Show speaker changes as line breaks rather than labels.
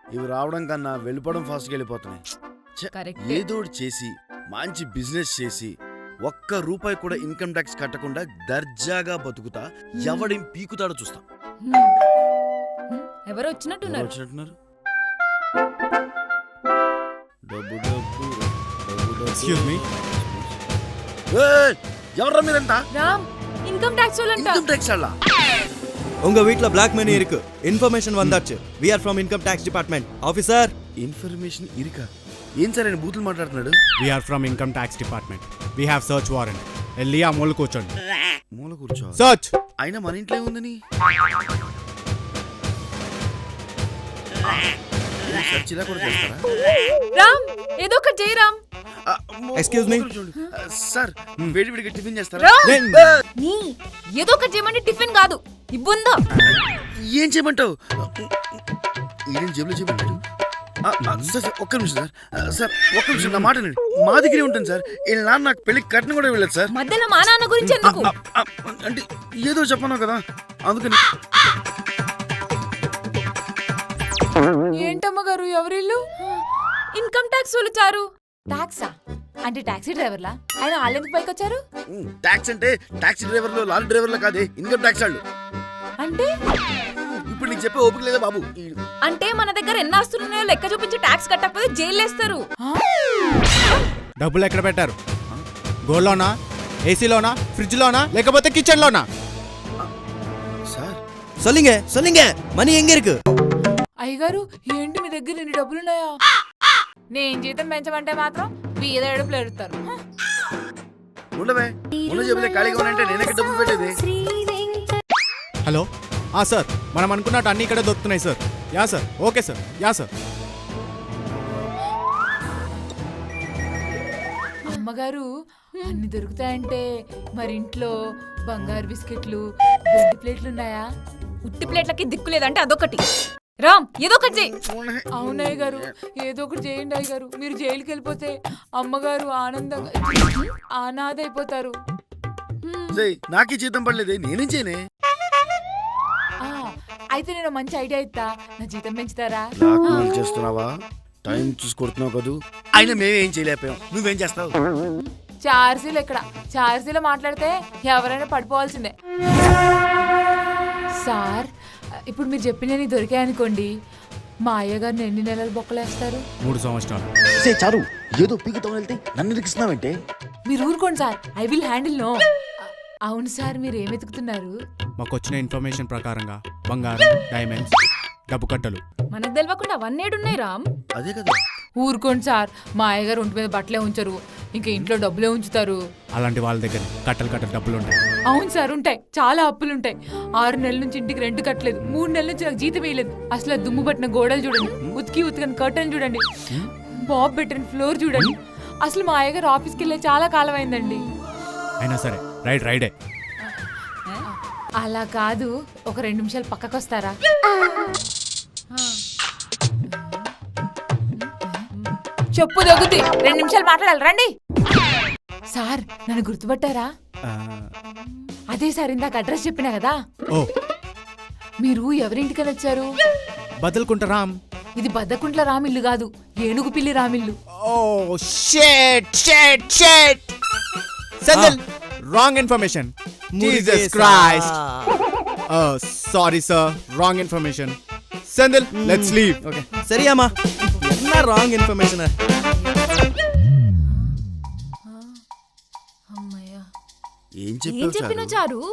ఇవి రావడం కన్నా వెళ్ళిపోవడం ఫాస్ట్గా వెళ్ళిపోతున్నాయి. ఏదో చేసి మంచి బిజినెస్ చేసి ₹1 కూడా ఇన్కమ్ ట్యాక్స్ కట్టకుండా దర్జాగా బతుకుతా. ఎవడేం పీకుతాడో చూస్తా.
ఎవరు వచ్చినట్టున్నారు?
Excuse me.
ఎవరా మీరంతా?
రామ్, ఇన్కమ్ ట్యాక్స్ వాళ్ళంట.
ఇన్కమ్ ట్యాక్స్ వాళ్ళ?
உங்க வீட்ல black money இருக்கு. இன்ஃபர்மேஷன் வந்தாச்சு. We are from income tax department. Officer.
Information ఇరికా? ఏం సార్ ఆయన బూతులు మాట్లాడుతున్నాడు?
We are from income tax department. We have search warrant. వెళ్ళి ఆ మూల కూర్చోండి.
మూల కూర్చో.
సర్చ్.
అయినా మన ఇంట్లో ఏముందని? సెర్చ్ ఇలా కూడా చేస్తారా?
రామ్, ఏదో ఒకటి చేయి రామ్.
Excuse me.
సార్, వేడి వేడిగా టిఫిన్ చేస్తారా?
నీ ఏదో ఒకటి చేయమంటే టిఫిన్ కాదు, ఇబ్బందా.
ఏం చేయమంటావు? ఏం జేబులో చేయమంటాడు? సార్ ఒక్క నిమిషం సార్. సార్ ఒక్క నిమిషం నా మాట వినండి. మా దగ్గరే ఉంటుంది సార్. వీళ్ళ నాన్న నాకు పెళ్లికి కట్నం కూడా వెళ్ళదు సార్.
మధ్యలో మా నాన్న గురించి ఎందుకు?
అంటే ఏదో చెప్పను కదా అందుకని.
ఏంటమ్మ గారు, ఎవరిల్లు? ఇన్కమ్ ట్యాక్స్ వాళ్ళు చారు. టాక్సా అంటే టాక్సీ డ్రైవర్లా? ఆయన వాళ్ళెందుకు పైకి వచ్చారు?
ట్యాక్స్ అంటే టాక్సీ డ్రైవర్లు లారీ డ్రైవర్లు కాదే, ఇన్కమ్ ట్యాక్స్ వాళ్ళు.
అంటే
ఇప్పుడు నీకు చెప్పే ఓపిక లేదా బాబు?
అంటే మన దగ్గర ఎన్ని ఆస్తులు ఉన్నాయో లెక్క చూపించి ట్యాక్స్ కట్టకపోతే జైలు వేస్తారు.
డబ్బులు ఎక్కడ పెట్టారు? గోల్డ్లోనా, ఏసీలోనా, ఫ్రిడ్జ్ లోనా, లేకపోతే కిచెన్ లోనా?
సార్
சொல்லுங்க சொல்லுங்க. మనీ எங்க இருக்கு?
అయ్యగారు, ఏంటి మీ దగ్గర ఇన్ని డబ్బులున్నాయా? నేను జీతం పెంచమంటే మాత్రం వీధ ఏడుపులు ఎడుతారు.
ఉండవే, ఉన్న జేబులే ఖాళీగా ఉన్నాయంటే నేనే డబ్బులు పెట్టేది.
హలో, సార్, మనం అనుకున్నట్టు అన్ని ఇక్కడ దొరుకుతున్నాయి sir. Yeah sir, okay sir, yeah sir.
అమ్మగారు, అన్ని దొరుకుతాయంటే మరి ఇంట్లో బంగారు బిస్కెట్లు, వెండి ప్లేట్లు ఉన్నాయా? ఉట్టి ప్లేట్లకి దిక్కు లేదంటే అదొకటి. రామ్, ఏదో ఒకటి చేయి. అవునయ్య గారు, ఏదో ఒకటి చేయండి అయ్య గారు. మీరు జైలుకి వెళ్ళిపోతే అమ్మగారు ఆనందంగా అనాథ అయిపోతారు.
నాకే జీతం పడలేదే, నేనేం చేయనే?
అయితే నేను మంచి ఐడియా ఇస్తా, నా జీతం పెంచుతారా?
చేస్తున్నావా? టైం చూసి కొడుతున్నావు కదూ. అయినా మేమేం చేయలేకపోయాం, నువ్వేం చేస్తావు?
చార్జీలు ఎక్కడ? చార్జీలో మాట్లాడితే ఎవరైనా పడిపోవాల్సిందే. సార్, ఇప్పుడు మీరు చెప్పినవి దొరికాయనుకోండి, మా అయ్యగారిని ఎన్ని నెలలు బొక్కలేస్తారు?
3 సంవత్సరాలు.
చారు, ఏదో పీకుతావు వెళ్తే నన్ను ఇరికిస్తున్నావంటే.
మీరు ఊరుకోండి sir, I will handle. No. అవును సార్, మీరు ఏం వెతుకుతున్నారు?
మాకు వచ్చిన ఇన్ఫర్మేషన్ ప్రకారంగా బంగారం, డైమండ్స్, డబ్బు కట్టలు.
మనకు తెలియకుండా అవన్నీ ఉన్నాయి రామ్.
అదే కదా.
ఊరుకోండి సార్, మా అయ్యగారు ఒంటి మీద బట్టలే ఉంచరు, ఇంకా ఇంట్లో డబ్బులే ఉంచుతారు.
అలాంటి వాళ్ళ దగ్గర కట్టలు డబ్బులు ఉంటాయి.
అవును సార్, ఉంటాయి. చాలా అప్పులుంటాయి. 6 నెలల నుంచి ఇంటికి రెంట్ కట్టలేదు, 3 నెలల నుంచి నాకు జీతం వేయలేదు. అసలు దుమ్ము పట్టిన గోడలు చూడండి, ఉతికని కర్టన్ చూడండి, బాబ్ పెట్టిన ఫ్లోర్ చూడండి. అసలు మా అయ్యగారు ఆఫీస్కి వెళ్ళే చాలా కాలం అయిందండి.
అయినా సరే, రైడే.
అలా కాదు, ఒక 2 నిమిషాలు పక్కకు వస్తారా? చెప్పు దొగుద్ది, 2 నిమిషాలు మాట్లాడాలి, రండి. సార్, నన్ను గుర్తుపట్టారా? అదే సార్, ఇందాక అడ్రస్ చెప్పినా కదా.
ఓ,
మీరు ఎవరింటికని వచ్చారు?
బదల్కుంట రామ్.
ఇది బద్దకుంట్ల రామిల్లు కాదు, ఏనుగు పిల్లి రామిల్లు.
Oh shit. సందల్, wrong information. Jesus Christ. Sorry sir, wrong information. సందల్, లెట్స్ లీవ్.
ఓకే, சரியாமா? என்ன రాంగ్ ఇన్ఫర్మేషన్?
అమ్మయ్య,
ఏం
చెప్పినా చారు?